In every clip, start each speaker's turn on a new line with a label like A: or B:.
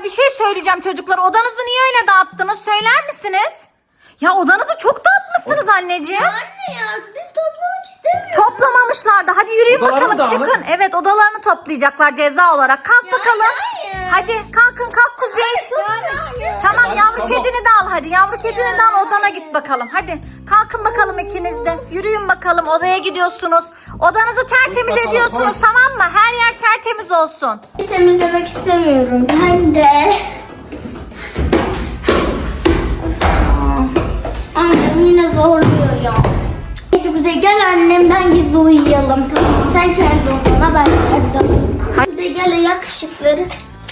A: bir şey söyleyeceğim çocuklar. Odanızı niye öyle dağıttınız? Söyler misiniz? Ya odanızı çok dağıtmışsınız anneciğim.
B: Anne ya biz toplamak istemiyoruz.
A: Toplamamışlardı. Hadi yürüyün
C: Odalarını
A: bakalım
C: dağılın.
A: çıkın. Evet odalarını toplayacaklar ceza olarak. Kalk bakalım.
B: hayır.
A: Hadi kalkın kalk Kuzey. Tamam yavru
C: çabuk.
A: kedini de al hadi. Yavru kedini de al odana git bakalım. Hadi kalkın bakalım ikiniz de. Yürüyün bakalım odaya gidiyorsunuz. Odanızı tertemiz
C: bakalım,
A: ediyorsunuz
C: koş.
A: tamam mı? Her yer tertemiz olsun.
B: Temizlemek istemiyorum. Ben de. Annem yine zorluyor ya. Neyse Kuzey gel annemden gizli uyuyalım. Sen kendi odana ben kendi odama. Kuzey gel yakışıkları.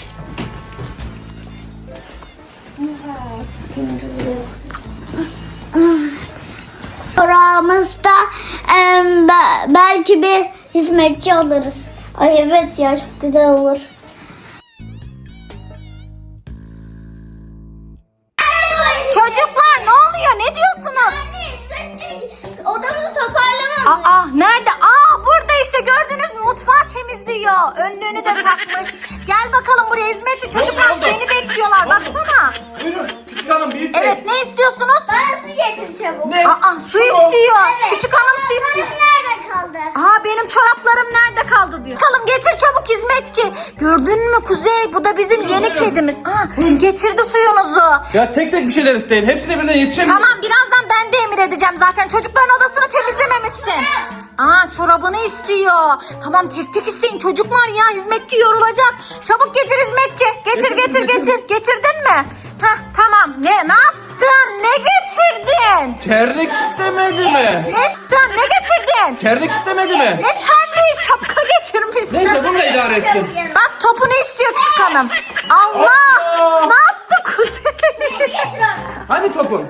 B: Oramızda belki bir hizmetçi alırız. Ay evet ya çok güzel olur.
A: Çocuklar ne oluyor? Ne diyorsunuz?
B: Odamızı toparlamam.
A: Aa nerede? Burada işte gördünüz mü? Mutfağı temizliyor. Önlüğünü de takmış. Gel bakalım buraya hizmetçi. Çocuklar
C: oldu?
A: seni bekliyorlar. Baksana.
C: Buyurun küçük hanım büyük bey.
A: Evet ne istiyorsunuz?
B: Bana su getir çabuk.
C: Ne?
A: Su istiyor.
B: Evet.
A: Küçük hanım su istiyor.
B: Nerede kaldı?
A: Benim çoraplarım nerede kaldı diyor. Bakalım getir çabuk hizmetçi. Gördün mü Kuzey? Bu da bizim yeni
C: buyurun.
A: kedimiz. Getirdi suyunuzu.
C: Ya tek tek bir şeyler isteyin. Hepsine birden yetişemiyorum.
A: Tamam birazdan ben de emir edeceğim zaten. Çocukların odasını temizlememişsin. Çorabını istiyor. Tamam tek tek isteyin çocuklar ya. Hizmetçi yorulacak. Çabuk getir hizmetçi. Getir
C: Getirdim,
A: getir
C: getirdim.
A: getir. Getirdin mi? Tamam. Ne yaptın? Ne getirdin?
C: Terlik istemedi mi?
A: Ne yaptın? Ne getirdin?
C: Terlik istemedi mi?
A: Ne terliği şapka getirmişsin.
C: Neyse bununla idare etsin.
A: Bak topunu istiyor küçük hanım. Allah!
C: Allah!
A: Ne yaptı Kuzey?
C: Hani topun?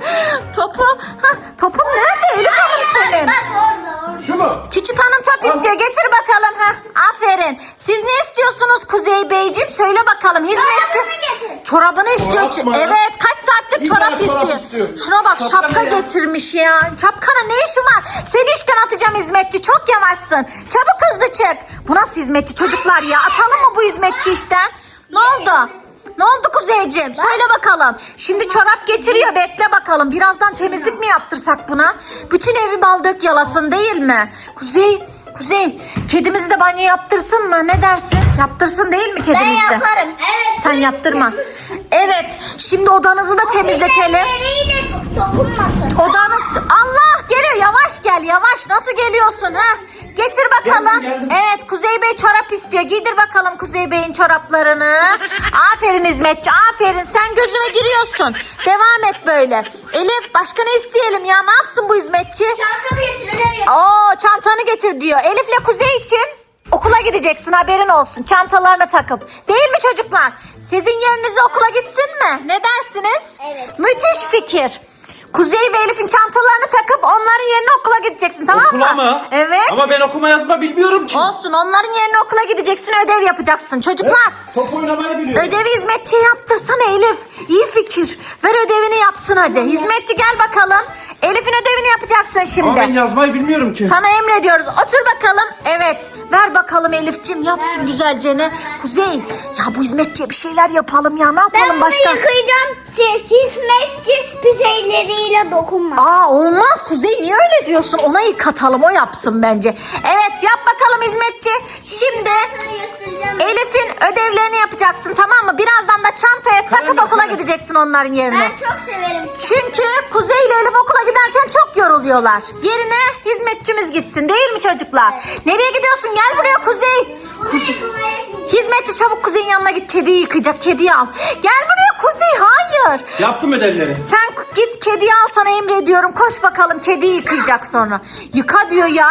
A: Topun nerede Elif Hanım senin?
B: Bak orada.
C: Şu mu?
A: Küçük hanım top istiyor. Getir bakalım. Aferin. Siz ne istiyorsunuz Kuzey Beyciğim? Söyle bakalım. Hizmetçi.
B: Çorabını getir.
A: Çorabını istiyor.
C: Çorap mı?
A: Evet. Kaç saattir
C: İlla
A: çorap
C: çorap
A: istiyor.
C: istiyor.
A: Şuna bak
C: Şapka
A: şapka
C: ne ya?
A: getirmiş ya. Şapkana ne işin var? Seni işten atacağım hizmetçi. Çok yavaşsın. Çabuk hızlı çık. Bu nasıl hizmetçi çocuklar ya? Atalım mı bu hizmetçi işten? Ne oldu? Ne oldu Kuzeyciğim? Söyle bakalım. Şimdi çorap getiriyor. Bekle bakalım. Birazdan temizlik mi yaptırsak buna? Bütün evi bal dök yalasın değil mi? Kuzey, kedimizi de banyo yaptırsın mı? Ne dersin? Yaptırsın değil mi
B: Ben
A: kedimizi de?
B: yaparım. Evet.
A: Sen yaptırma. Evet. Şimdi odanızı da temizletelim.
B: Bize dokunmasın.
A: Odanız... Allah geliyor. Yavaş gel. Yavaş. Nasıl geliyorsun ha? Getir bakalım.
C: Geldim.
A: Evet Kuzey Bey çorap istiyor. Giydir bakalım Kuzey Bey'in çoraplarını. Aferin hizmetçi. Aferin. Sen gözüme giriyorsun. Devam et böyle. Elif başka ne isteyelim ya? Ne yapsın bu hizmetçi?
B: Çantamı getir ödev yap.
A: Çantanı getir diyor. Elif'le Kuzey için okula gideceksin haberin olsun. Çantalarını takıp. Değil mi çocuklar? Sizin yerinize okula gitsin mi? Ne dersiniz?
B: Evet.
A: Müthiş fikir. Kuzey ve Elif'in çantalarını takıp onların yerine okula gideceksin tamam
C: Okula
A: mı?
C: mı?
A: Evet.
C: Ama ben okuma yazma bilmiyorum ki.
A: Olsun onların yerine okula gideceksin ödev yapacaksın çocuklar.
C: Top oynamayı biliyorum.
A: Ödevi hizmetçiye yaptırsana Elif. İyi fikir. Ver ödevini yapsın hadi. Hizmetçi gel bakalım. Elif'in ödevini yapacaksın
C: Ama
A: şimdi.
C: ben yazmayı bilmiyorum ki.
A: Sana emrediyoruz. Otur bakalım. Evet. Ver bakalım Elif'cim. Yapsın güzelce. Kuzey. Ya bu hizmetçiye bir şeyler yapalım ya. Ne yapalım
B: Ben
A: başka?
B: bunu yıkayacağım. Hizmetçi pizzelleriyle dokunma.
A: Olmaz Kuzey. Niye öyle diyorsun? Ona yıkatalım. O yapsın bence. Evet yap bakalım hizmetçi. Şimdi
B: Sana göstereceğim.
A: Elif'in ödevlerini yapacaksın tamam mı? Birazdan da çantaya takıp
C: Tamam,
A: okula
C: tamam.
A: gideceksin onların yerine.
B: Ben çok severim.
A: Çünkü Kuzey ile Elif okula giderken çok yoruluyorlar. Yerine hizmetçimiz gitsin değil mi çocuklar? Nereye gidiyorsun? Gel buraya Kuzey. Hizmetçi çabuk Kuzey'in yanına git. Kediyi yıkayacak. Kediyi al. Gel buraya Kuzey. Hayır.
C: Yaptım ödevleri.
A: Sen git kediyi al sana emrediyorum. Koş bakalım kediyi yıkayacak sonra. Yıka diyor ya.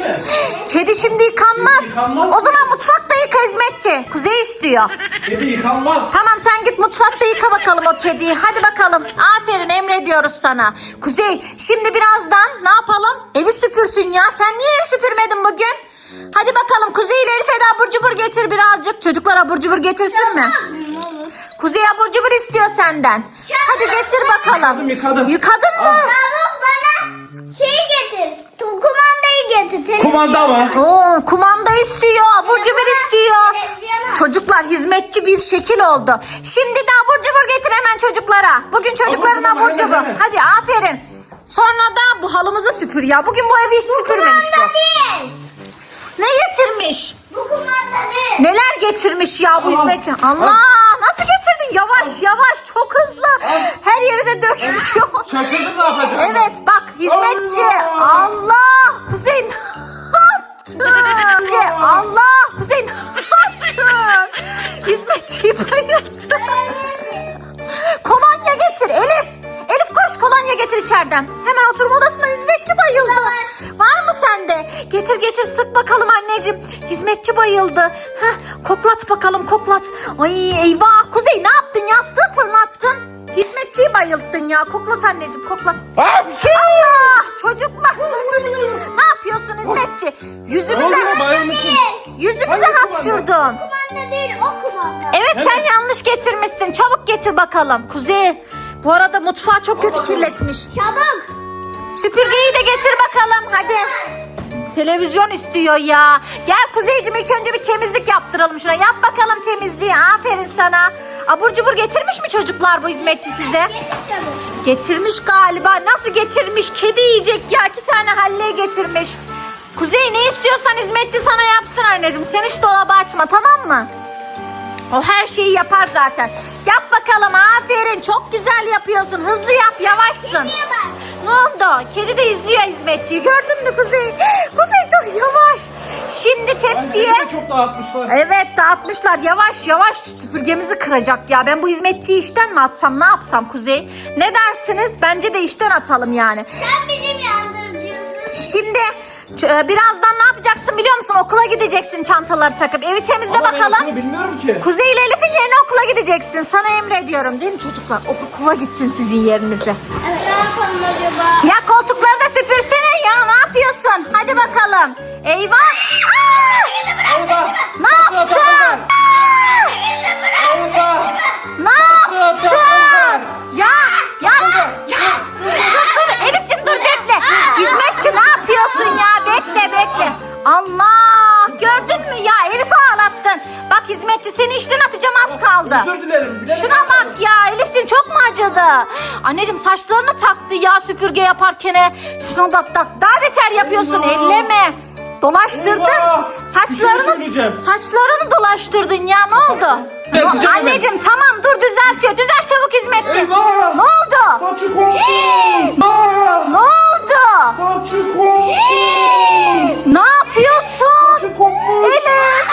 A: Kedi şimdi yıkanmaz.
C: Kedi yıkanmaz.
A: O zaman mutfakta yıka hizmetçi. Kuzey istiyor.
C: Kedi yıkanmaz.
A: Tamam sen git mutfakta yıka bakalım o kediyi. Hadi bakalım. Aferin emrediyoruz sana. Kuzey şimdi birazdan ne yapalım? Evi süpürsün ya. Sen niye evi süpürmedin bugün? Hadi bakalım Kuzey ile Elif'e de abur cubur getir birazcık. Çocuklar abur cubur getirsin mi? Kuzey abur cubur istiyor senden. Hadi getir bakalım.
C: Yıkadım.
A: Yıkadın mı?
C: Al.
B: Çabuk bana getir. Kumandayı getir.
C: Kumanda mı?
A: Oo, kumanda istiyor, abur cubur istiyor.
B: Televizyona.
A: Çocuklar hizmetçi bir şekil oldu. Şimdi de abur cubur getir hemen çocuklara. Bugün çocukların
C: Abur cubur,
A: abur cubur.
C: hemen.
A: Hadi aferin. Sonra da bu halımızı süpür ya. Bugün bu evi hiç süpürmemiş bu.
B: Kumanda değil.
A: Ne getirmiş?
B: Bu kumanda değil.
A: Neler getirmiş ya bu
C: Al,
A: hizmetçi?
C: al.
A: Allah nasıl getirdin? Yavaş yavaş çok hızlı. Her yeri de dökülüyor.
C: Şaşırdım ne yapacağım.
A: Evet bak hizmetçi.
C: Allah!
A: Allah! Kuzey ne yaptın? Allah! Kuzey ne yaptın? Hizmetçiyi bayılttı. Kolonya getir Elif. Elif koş kolonya getir içeriden. Hemen oturma odasına hizmetçi bayıldı. Var mı sende? Getir getir sık bakalım anneciğim. Hizmetçi bayıldı. Heh, koklat bakalım koklat. Ay eyvah Kuzey ne yaptın? Yastığı fırlattın. Hizmetçiyi bayılttın ya. Koklat anneciğim koklat. Allah çocuklar. Ne yapıyorsun hizmetçi? Yüzümüze hapşurdun.
B: Kumanda değil o kumanda.
A: Evet sen yanlış getirmişsin. Çabuk getir bakalım. Kuzey bu arada mutfağı çok kötü kirletmiş.
B: Çabuk.
A: Süpürgeyi de getir bakalım hadi. Televizyon istiyor ya. Gel Kuzeyciğim ilk önce bir temizlik yaptıralım şuna. Yap bakalım temizliği. Aferin sana. Abur cubur getirmiş mi çocuklar bu hizmetçi size?
B: Getir çabuk.
A: Getirmiş galiba. Nasıl getirmiş? Kedi yiyecek ya. 2 tane halleye getirmiş. Kuzey ne istiyorsan hizmetçi sana yapsın anneciğim. Sen hiç dolabı açma tamam mı? O her şeyi yapar zaten. Yap bakalım aferin. Çok güzel yapıyorsun. Hızlı yap yavaşsın.
B: Niye bak?
A: Ne oldu? Kedi de izliyor hizmetçiyi. Gördün mü Kuzey? Kuzey dur yavaş. Şimdi tepsiye.
C: Çok dağıtmışlar.
A: Evet dağıtmışlar. Yavaş yavaş süpürgemizi kıracak ya. Ben bu hizmetçiyi işten mi atsam ne yapsam Kuzey? Ne dersiniz? Bence de işten atalım yani.
B: Sen bizim yandırıcısın.
A: Şimdi birazdan ne yapacaksın biliyor musun? Okula gideceksin çantaları takıp. Evi temizle
C: Ama ben
A: bakalım.
C: okulu bilmiyorum ki.
A: Kuzey ile Elif'in yerine okula gideceksin. Sana emrediyorum değil mi çocuklar? Okula gitsin sizin yerinize.
B: Evet, ne yapalım acaba?
A: Ya koltukları da süpürsene ya. Ne yapıyorsun? Hadi bakalım. Eyvah. Aa!
C: Orada.
A: Ne yaptın?
C: Orada.
A: Ne yaptın? Ya dur Elif'ciğim dur bekle. Hizmetçi ne yapıyorsun ya? Bekle. Allah gördün mü ya Elif'i ağlattın. Bak hizmetçi seni işten atacağım az kaldı.
C: Özür dilerim. bilerek
A: Şuna bak ya Elif'ciğim çok mu acıdı? Anneciğim saçlarını taktı ya süpürge yaparken. Şuna bak daha beter yapıyorsun
C: Allah.
A: elleme. Dolaştırdın.
C: Eyvah. Bir şey söyleyeceğim.
A: Saçlarını dolaştırdın ya ne oldu?
C: Düzelteceğim hemen.
A: Anneciğim tamam dur düzeltiyor. Düzelt çabuk hizmetçi.
C: Eyvah.
A: Ne oldu?
C: Saçı koptu.
A: Ne oldu?
C: Saçı koptu.
A: Ne yapıyorsun?
C: Saçı koptu.
A: Elif.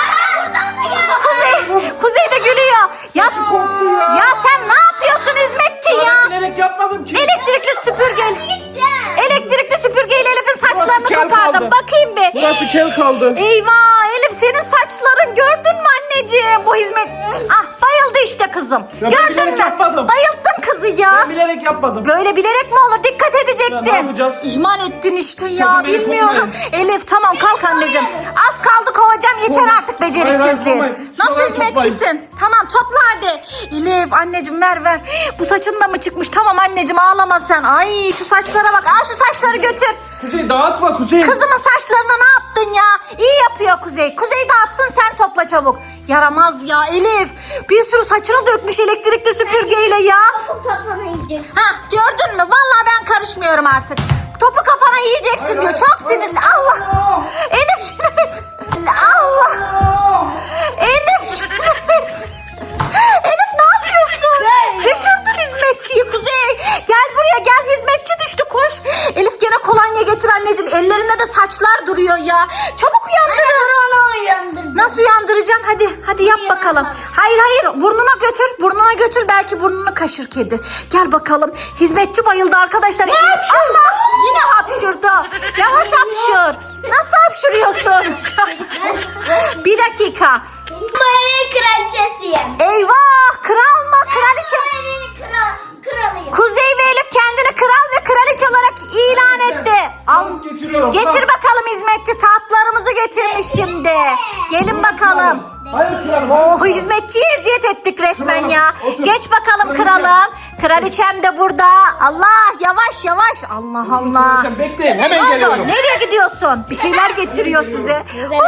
A: Kuzey de gülüyor. Ya sen ne yapıyorsun hizmetçi ya?
C: Ben bilerek yapmadım ki.
A: Elektrikli süpürge.
B: Gideceğim.
A: Elektrikli süpürgeyle Elif'in saçlarını
C: kel
A: kopardım.
C: kaldı.
A: Bakayım bir.
C: Burası kel kaldı.
A: Eyvah Elif senin saçların gördün mü anneciğim bu hizmet? Ah bayıldı işte kızım.
C: Ya ben
A: Gördün
C: bilerek
A: mü?
C: yapmadım.
A: Bayılttın kızı ya.
C: Ben bilerek yapmadım.
A: Böyle bilerek mi olur? Dikkat edecektin.
C: Ya ne yapacağız?
A: İhmal ettin işte ya.
C: Sakın beni
A: Bilmiyorum.
C: kovmayın.
A: Elif tamam kalk anneciğim. Az kaldı kovacağım. Yeter
C: Kovmayın.
A: artık
C: Hayır,
A: beceriksizliğin.
C: kovmayın.
A: Nasıl
C: Şuradan
A: hizmetçisin? Tamam topla hadi. Elif anneciğim ver. Bu saçın da mı çıkmış? Tamam anneciğim ağlama sen. Ay şu saçlara bak. Al şu saçları götür.
C: Kuzey dağıtma Kuzey.
A: Kızımın saçlarına ne yaptın ya? İyi yapıyor Kuzey. Kuzey dağıtsın sen topla çabuk. Yaramaz ya Elif. Bir sürü saçını dökmüş elektrikli süpürgeyle ya.
B: Topuk toplama yiyeceksin.
A: Ha gördün mü? Vallahi ben karışmıyorum artık. Topu kafana yiyeceksin diyor. Çok sinirli. Allah. Elif. Allah. Elif. Elif ne yapıyorsun? Düşürdün hizmetçiyi Kuzey. Gel buraya gel hizmetçi düştü koş. Elif gene kolonya getir anneciğim. Ellerinde de saçlar duruyor ya. Çabuk uyandırın.
B: Onu uyandırdım.
A: Nasıl uyandıracaksın? Hadi yap bakalım. Hayır burnuna götür belki burnunu kaşır kedi. Gel bakalım. Hizmetçi bayıldı arkadaşlar. Allah yine hapşurdu. Yavaş hapşur. Nasıl hapşuruyorsun? Bir dakika.
B: Bu evin kraliçesiyim.
A: Eyvah kral mı kraliçe?
B: Bu evin kralıyım.
A: Kuzey ve Elif kendini kral ve kraliçe olarak ilan etti. Al.
C: Tamam, getiriyorum.
A: Getir bakalım hizmetçi tahtlarımızı getirmiş şimdi. Gelin bakalım.
C: Hayır kralım. bakalım.
A: Oh, hizmetçiye eziyet ettik resmen
C: Kralım,
A: ya.
C: otur.
A: Geç bakalım
C: Kraliçem.
A: kralım. Kraliçem de burada. Allah, yavaş yavaş. Allah Allah.
C: Kraliçem, bekleyin, hemen
A: Ne oldu?
C: geliyorum.
A: Nereye gidiyorsun? Bir şeyler getiriyor size.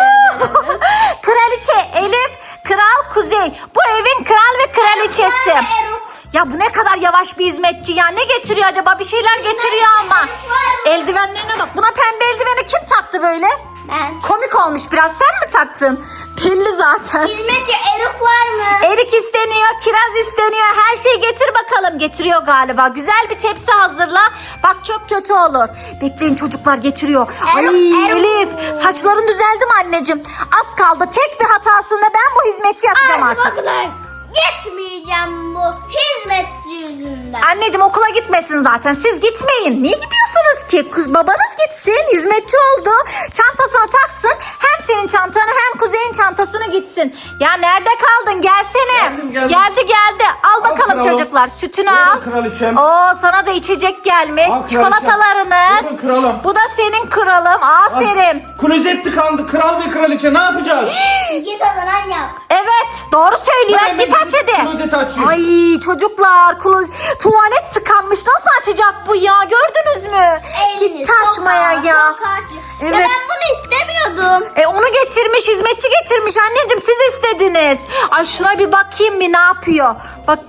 A: Kraliçe Elif, Kral Kuzey. Bu evin kral ve kraliçesi. Ya bu ne kadar yavaş bir hizmetçi ya. Ne getiriyor acaba? Bir şeyler getiriyor ama. Eldivenlerine bak. Buna pembe eldiveni kim taktı böyle?
B: Ben.
A: Komik olmuş biraz. Sen mi taktın? Belli zaten.
B: Hizmetçi Eruk var mı?
A: Erik isteniyor, kiraz isteniyor. Her şeyi getir bakalım. Getiriyor galiba. Güzel bir tepsi hazırla. Bak çok kötü olur. Bekleyin çocuklar getiriyor. Ay
B: Eruk.
A: Elif, saçların düzeldi mi anneciğim? Az kaldı. Tek bir hatasında ben bu hizmetçi yapacağım artık.
B: Arkadaşlar gitmeyeceğim bu hizmetçi yüzünden.
A: Anneciğim okula gitmesin zaten. Siz gitmeyin. Niye gidiyorsunuz ki? Kız babanız gitsin. Hizmetçi oldu. Çantasını taksın. Hem senin çantanı hem Kuzey'in çantasını gitsin. Ya nerede kaldın? Gelsene.
C: Geldim.
A: Geldi. Al bakalım
C: kralım.
A: çocuklar. Sütünü
C: Buyurun
A: al.
C: kraliçem.
A: Oo, sana da içecek gelmiş.
C: Al kraliçem.
A: Çikolatalarınız.
C: Buyurun kralım.
A: Bu da senin kralım. Aferin.
C: Klozet tıkandı. Kral ve kraliçe ne yapacağız?
B: Git o zaman yap.
A: Evet, doğru söylüyor.
C: Hemen
A: Git aç hadi.
C: klozeti açayım.
A: Ay çocuklar, tuvalet tıkanmış. Nasıl açacak bu ya? Gördünüz mü?
B: Elini
A: Gitti açmaya
B: sokar,
A: ya.
B: sokar.
A: Evet.
B: Ya ben bunu istemiyordum.
A: Onu getirmiş, hizmetçi getirmiş anneciğim, siz istediniz. Ay şuna bir bakayım bir ne yapıyor. Bak.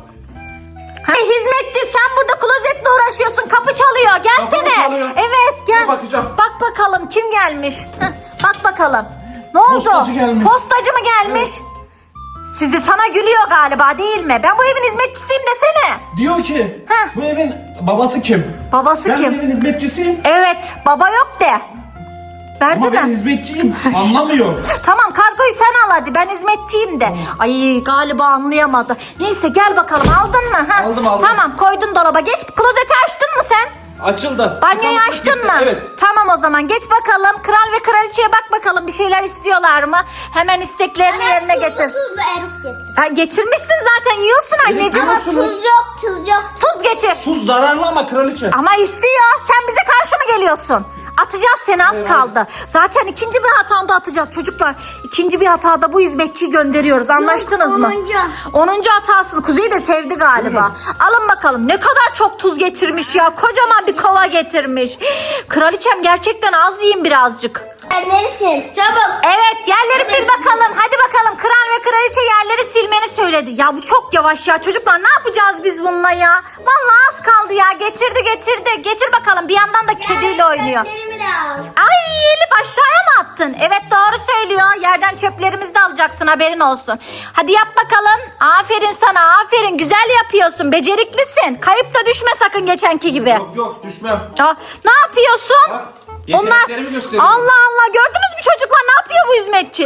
A: Hizmetçi sen burada klozetle uğraşıyorsun, kapı çalıyor, gelsene.
C: Kapı mı çalıyor?
A: Evet gel.
C: Dur bakacağım.
A: Bak bakalım kim gelmiş. Bak bakalım. Ne oldu?
C: Postacı gelmiş.
A: Postacı mı gelmiş? Sizi sana gülüyor galiba değil mi? Ben bu evin hizmetçisiyim desene.
C: Diyor ki
A: Heh.
C: bu evin babası kim?
A: Babası
C: Ben bu
A: kim?
C: evin hizmetçisiyim.
A: Evet, baba yok de. Verdi
C: Ama ben
A: mi?
C: hizmetçiyim. Anlamıyor.
A: Tamam kargoyu sen al hadi, ben hizmetçiyim de. Ay galiba anlayamadı. Neyse gel bakalım, aldın mı? Ha?
C: Aldım.
A: Tamam koydun dolaba. Geç, klozeti açtın mı sen?
C: Açıldı.
A: Banyoyu
C: Tıkandı,
A: açtın
C: gitti.
A: mı?
C: Evet.
A: Tamam o zaman geç bakalım. Kral ve kraliçeye bak bakalım, bir şeyler istiyorlar mı? Hemen isteklerini yerine getir.
B: Tuzlu Eruk getir.
A: Ha, getirmişsin zaten, yiyorsun anneciğim.
C: Ama
B: Tuz yok, tuz yok.
A: Tuz getir.
C: Tuz zararlı ama kraliçe.
A: Ama istiyor. Sen bize karşı mı geliyorsun? Atacağız seni, az kaldı. Zaten ikinci bir hatanda atacağız çocuklar. İkinci bir hatada bu hizmetçiyi gönderiyoruz. Anlaştınız mı? 10. hatasını. Kuzey de sevdi galiba. Alın bakalım. Ne kadar çok tuz getirmiş ya. Kocaman bir kova getirmiş. Kraliçem gerçekten az yiyin birazcık.
B: Yerleri sil. Çabuk.
A: Evet, yerleri sil bakalım. Hadi bakalım, kral ve kraliçe yerleri silmeni söyledi. Ya bu çok yavaş ya çocuklar, ne yapacağız biz bununla ya? Vallahi az kaldı ya, getirdi. Getir bakalım, bir yandan da kediyle oynuyor.
B: Yerlerimi de al.
A: Ay Elif, aşağıya mı attın? Evet doğru söylüyor, yerden çöplerimizi de alacaksın, haberin olsun. Hadi yap bakalım. Aferin sana, aferin, güzel yapıyorsun, beceriklisin. Kayıp da düşme sakın geçenki gibi.
C: Yok düşmem.
A: Aa, ne yapıyorsun?
C: Bak, yeteneklerimi gösteriyorum.
A: Allah Allah, gördünüz mü çocuklar, ne yapıyor bu hizmetçi?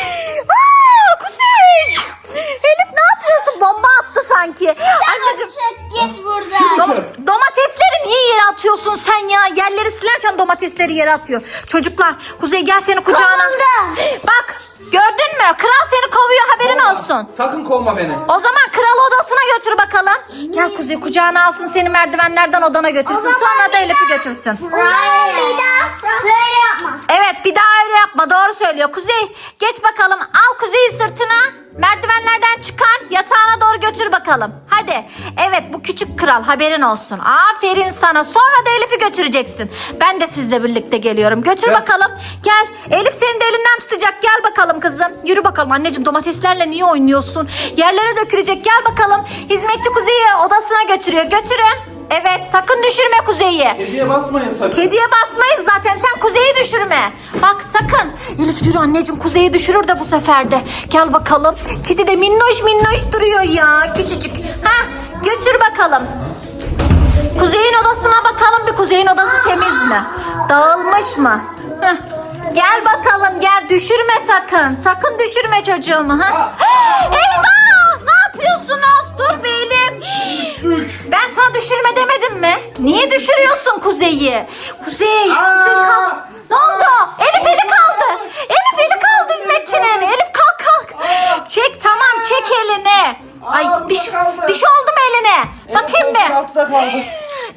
A: Aa, Kuzey! Elif ne yapıyorsun? Bomba attı sanki. Anneciğim.
B: Çık git buradan.
A: Domatesleri niye yere atıyorsun sen ya? Yerleri silerken domatesleri yere atıyor. Çocuklar, Kuzey gel seni kucağına.
B: Kovuldu.
A: Bak, gördün mü? Kral seni kovuyor, haberin
C: Kovma.
A: olsun.
C: Sakın kovma beni.
A: O zaman kral odasına götür bakalım. Gel Kuzey, kucağına alsın seni, merdivenlerden odana götürsün. Sonra da Elif'i götürsün.
B: Hayır. Bir daha böyle yapma.
A: Evet, bir daha öyle yapma, doğru söylüyor. Kuzey geç bakalım, al Kuzey'i sırtına. Merdivenlerden çıkar, yatağına doğru götür bakalım. Hadi. Evet, bu küçük kral, haberin olsun. Aferin sana. Sonra da Elif'i götüreceksin. Ben de sizle birlikte geliyorum. Götür
C: Gel.
A: bakalım. Gel. Elif senin de elinden tutacak. Gel bakalım kızım. Yürü bakalım. Anneciğim, domateslerle niye oynuyorsun? Yerlere dökülecek. Gel bakalım. Hizmetçi Kuzey'i odasına götürüyor. Götürün. Evet, sakın düşürme Kuzey'i.
C: Kediye basmayın sakın.
A: Kediye basmayız zaten, sen Kuzey'i düşürme. Bak sakın. Elif yürü anneciğim, Kuzey'i düşürür de bu sefer de. Gel bakalım. Kedi de minnoş duruyor ya. Küçücük. Ha, götür bakalım. Kuzey'in odasına bakalım bir, Kuzey'in odası temiz mi? Dağılmış mı? Heh. Gel bakalım, gel, düşürme sakın. Sakın düşürme çocuğumu. Ha? Eyvah! Ne yapıyorsunuz? Dur be Elif.
C: Düştük.
A: Ben sana düşürme demedim mi? Niye düşürüyorsun Kuzey'i? Kuzey kalk. Ne oldu? Elif eli kaldı. Elif eli kaldı hizmetçinin. Elif kalk. Çek, tamam, çek elini. Ay
C: burada
A: bir şey
C: kaldı.
A: oldu mu eline? Bakayım
C: Evet,
A: bir.
C: altıda kaldı.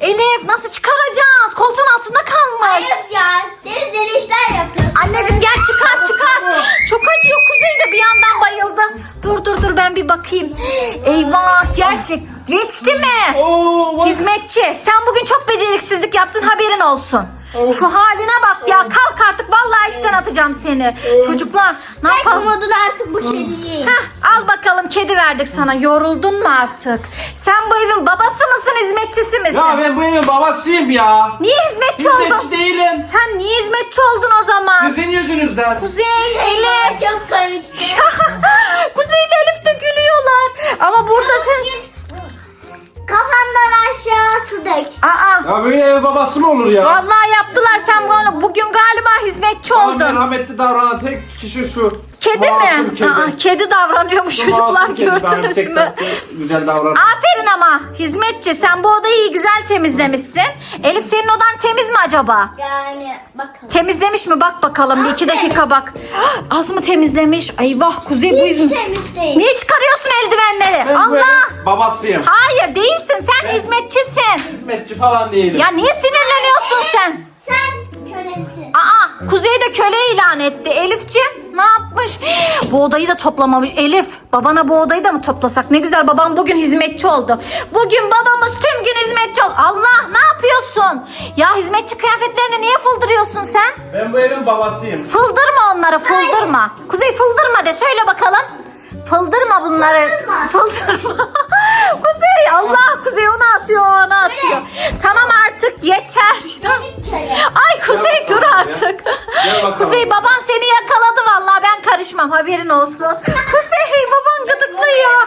A: Elif nasıl çıkaracağız? Koltuğun altında kalmış.
B: Hayır ya. Deri deri işler yapıyorsun.
A: Anneciğim gel çıkar. Çok acıyor. Kuzey de bir yandan bayıldı. Dur ben bir bakayım. Eyvah geçti mi?
C: Oo, bak.
A: Hizmetçi sen bugün çok beceriksizlik yaptın haberin olsun. Şu haline bak ya kalk artık vallahi işten atacağım seni. Çocuklar ne
B: Tek
A: yapalım?
B: umudun artık bu kediciğim.
A: Heh, al bakalım kedi verdik sana. Yoruldun mu artık? Sen bu evin babası mısın hizmetçisi misin?
C: Ya ben bu evin babasıyım ya.
A: Niye hizmetçi oldun?
C: Hizmetçi değilim.
A: Sen niye hizmetçi oldun o zaman?
C: Sizin yüzünüzden.
A: Kuzey, Elif.
B: Çok komik.
A: Kuzey ile Elif de gülüyorlar. Ama burada sen...
B: Kafandan aşağı su dök.
A: Aa,
C: Ya böyle ev babası mı olur ya?
A: vallahi yaptılar sen bugün galiba hizmetçi
C: Ama
A: oldun.
C: merhametli davranan tek kişi şu.
A: Kedi
C: Masum
A: mi?
C: Kedi.
A: Kedi davranıyormuş
C: Şu
A: çocuklar
C: masum kedi.
A: gördünüz
C: Benim tek
A: mü?
C: tatlı, güzel davranan.
A: Aferin ama hizmetçi sen bu odayı iyi güzel temizlemişsin. Elif senin odan temiz mi acaba?
B: Yani bakalım.
A: Temizlemiş mi? Bak bakalım bir
B: Az
A: iki dakika
B: temiz.
A: bak. Az mı temizlemiş? Eyvah Kuzey bu
B: Hiç
A: hizmet.
B: temiz değil.
A: Niye çıkarıyorsun eldivenleri?
C: Ben bu
A: Allah!
C: evin babasıyım.
A: Hayır değilsin sen
C: Ben-
A: hizmetçisin.
C: Hizmetçi falan değilim.
A: Ya niye sinirleniyorsun sen?
B: Sen kölesin.
A: Aa Kuzey de köle ilan etti. Elifciğim ne yapmış? Bu odayı da toplamamış. Elif babana bu odayı da mı toplasak? Ne güzel babam bugün hizmetçi oldu. Bugün babamız tüm gün hizmetçi oldu. Allah ne yapıyorsun? Ya hizmetçi kıyafetlerini niye fıldırıyorsun sen?
C: Ben bu evin babasıyım.
A: Fıldırma onları fıldırma. Kuzey fıldırma de söyle bakalım. Fıldırma bunları. Fıldırma. Kuzey Allah Kuzey onu atıyor onu atıyor. Tamam artık yeter.
B: Köle.
A: Ay Kuzey
C: Gel
A: dur
C: bakalım
A: artık.
C: Gel bakalım.
A: Kuzey baban seni yakaladı vallahi ben karışmam haberin olsun. Kuzey baban gıdıklıyor.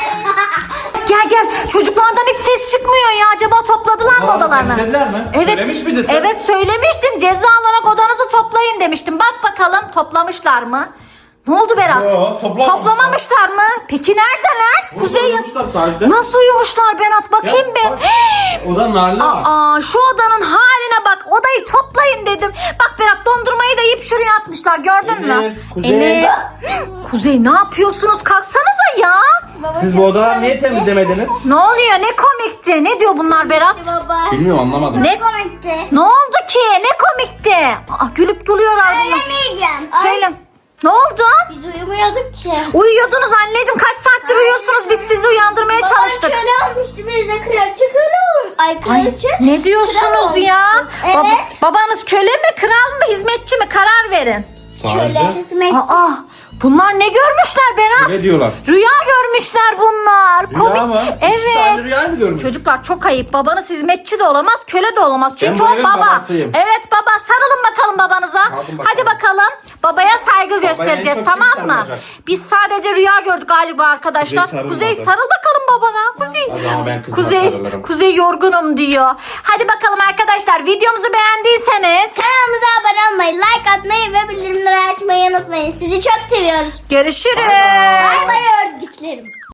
A: Gel çocuklardan hiç ses çıkmıyor ya acaba topladılar mı
C: Odalarını
A: odalarını?
C: temizlediler mi?
A: Evet.
C: Söylemiş miydin sen?
A: Evet söylemiştim ceza olarak odanızı toplayın demiştim. Bak bakalım toplamışlar mı? Ne oldu Berat?
C: Yo, toplamamışlar.
A: Toplamamışlar mı? Peki neredeler? Kuzey.
C: Uyumuşlar sadece.
A: Nasıl uyumuşlar Berat? Bakayım
C: Ya,
A: bir.
C: bak. Odanın haline bak.
A: Aa şu odanın haline bak. Odayı toplayın dedim. Bak Berat dondurmayı da yiyip şuraya atmışlar. Gördün mü?
C: Elif, Kuzey.
A: Elif. Kuzey ne yapıyorsunuz? Kalksanıza ya.
C: Siz bu odaları niye temizlemediniz?
A: Ne oluyor? Ne komikti? Ne diyor bunlar Berat?
B: Baba.
C: Bilmiyorum anlamadım.
A: Ne?
B: Komikti.
A: Ne oldu ki? Ne komikti? Aa, gülüp duruyorlar bunlar.
B: Söylemeyeceğim.
A: Söyle. Ne oldu?
B: Biz uyumuyorduk ki.
A: Uyuyordunuz anneciğim. Kaç saattir uyuyorsunuz? Biz sizi uyandırmaya çalıştık.
B: Babam köle olmuştu. Biz de kraliçe köle olmuş. Ay
A: Ay,
B: kraliçe.
A: ne diyorsunuz
B: Kral
A: ya?
B: olmuştu. Evet.
A: Babanız köle mi, kral mı, hizmetçi mi? Karar verin.
B: Köle hizmetçi.
A: Aa, bunlar ne görmüşler Berat?
C: Ne diyorlar?
A: Rüya görmüşler bunlar.
C: Rüya mı? İkisi de aynı
A: Evet.
C: rüyayı mı görmüş?
A: Çocuklar çok ayıp. Babanız hizmetçi de olamaz, köle de olamaz. Çünkü
C: bu
A: o
C: evin
A: baba.
C: babasıyım.
A: Evet baba. Sarılın bakalım babanıza.
C: Sarılın bakalım.
A: Hadi bakalım. Babaya saygı göstereceğiz
C: en çok
A: tamam
C: kim
A: mı?
C: sarılacak?
A: Biz sadece rüya gördük galiba arkadaşlar.
C: Kuzey sarıl
A: Kuzey
C: bakalım.
A: sarıl bakalım babana. Kuzey.
C: O zaman ben kızıma
A: Kuzey.
C: sarılırım.
A: Kuzey yorgunum diyor. Hadi bakalım arkadaşlar videomuzu beğendiyseniz
B: Kanalımıza abone olmayı, like atmayı ve bildirimleri açmayı unutmayın. Sizi çok seviyoruz.
A: görüşürüz.
B: Bay bay ördüklerim.